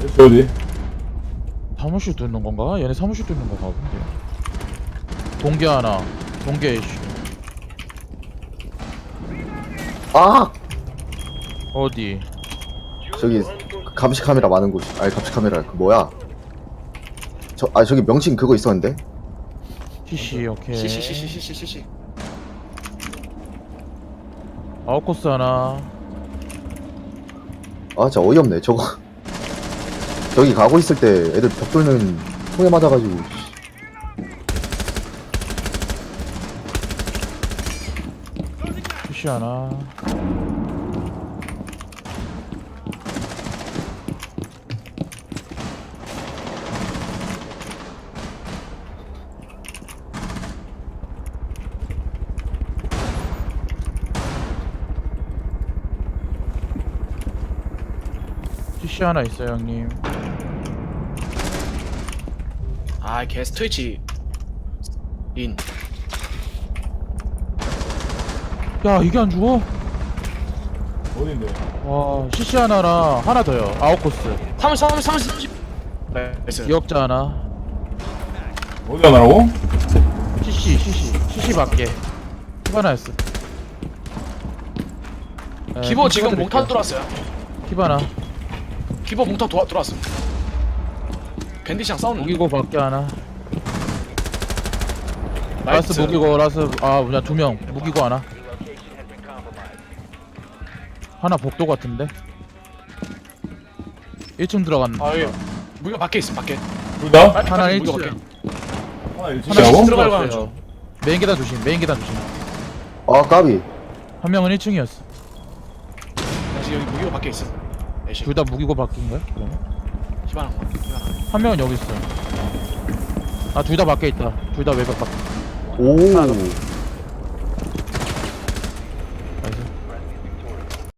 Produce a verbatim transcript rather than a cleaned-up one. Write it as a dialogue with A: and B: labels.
A: 어디 어디?
B: 사무실 뚫는 건가? 얘네 사무실 뚫는 건가 본데. 동계 하나. 동계 이슈.
C: 아!
B: 어디?
C: 저기 감시 카메라 많은 곳. 아니 감시 카메라 그 뭐야? 저 아 저기 명칭 그거 있었는데?
B: 씨씨 오케이.
D: 시시시시시시시.
B: 아웃코스 하나.
C: 아 진짜 어이없네 저거. 저기 가고 있을 때 애들 벽 뚫는 총에 맞아가지고.
B: 씨씨 하나. 씨씨 하나 있어요 형님.
D: 아, 개 스트위치. 인.
B: 야 이게 안 죽어?
A: 어딘데?
B: 와 씨씨 하나랑 하나 더요. 아웃코스.
D: 삼십, 삼십, 삼십, 삼십. 나이스.
B: 기억자 하나.
A: 어디 가나라고?
B: 씨씨 씨씨 씨씨 밖에. 히바나였어. 네,
D: 기보
B: 핑
D: 지금
B: 찍어드릴게요.
D: 몽탄 들어왔어요.
B: 히바나.
D: 기보 몽탄 도와, 들어왔어. 밴디시랑 싸우는 거.
B: 무기고 밖에 하나.
D: 나이스.
B: 라스 무기고 라스 아 뭐냐 두 명 무기고 하나. 하나 복도 같은데. 일 층 들어갔나?
D: 아, 예. 무기가 밖에 있어, 밖에.
A: 둘 다?
D: 빨리
B: 하나
D: 빨리
B: 일
D: 무기가
B: 층.
D: 밖에.
A: 하나
B: 하나
A: 일치라고?
B: 일 층
D: 들어가려고
B: 들어갔어요.
D: 하는 중.
B: 메인 계단 조심. 메인 계단 조심.
C: 아 까비.
B: 한 명은 일 층이었어.
D: 다시 여기 무기가 밖에 있어. 애쉬.
B: 둘 다 무기고 바뀐 거야? 그러면?
D: 희망한 거. 희망한 거.
B: 한 명은 여기 있어. 아 둘 다 밖에 있다. 둘 다 외벽 밖에.
C: 오.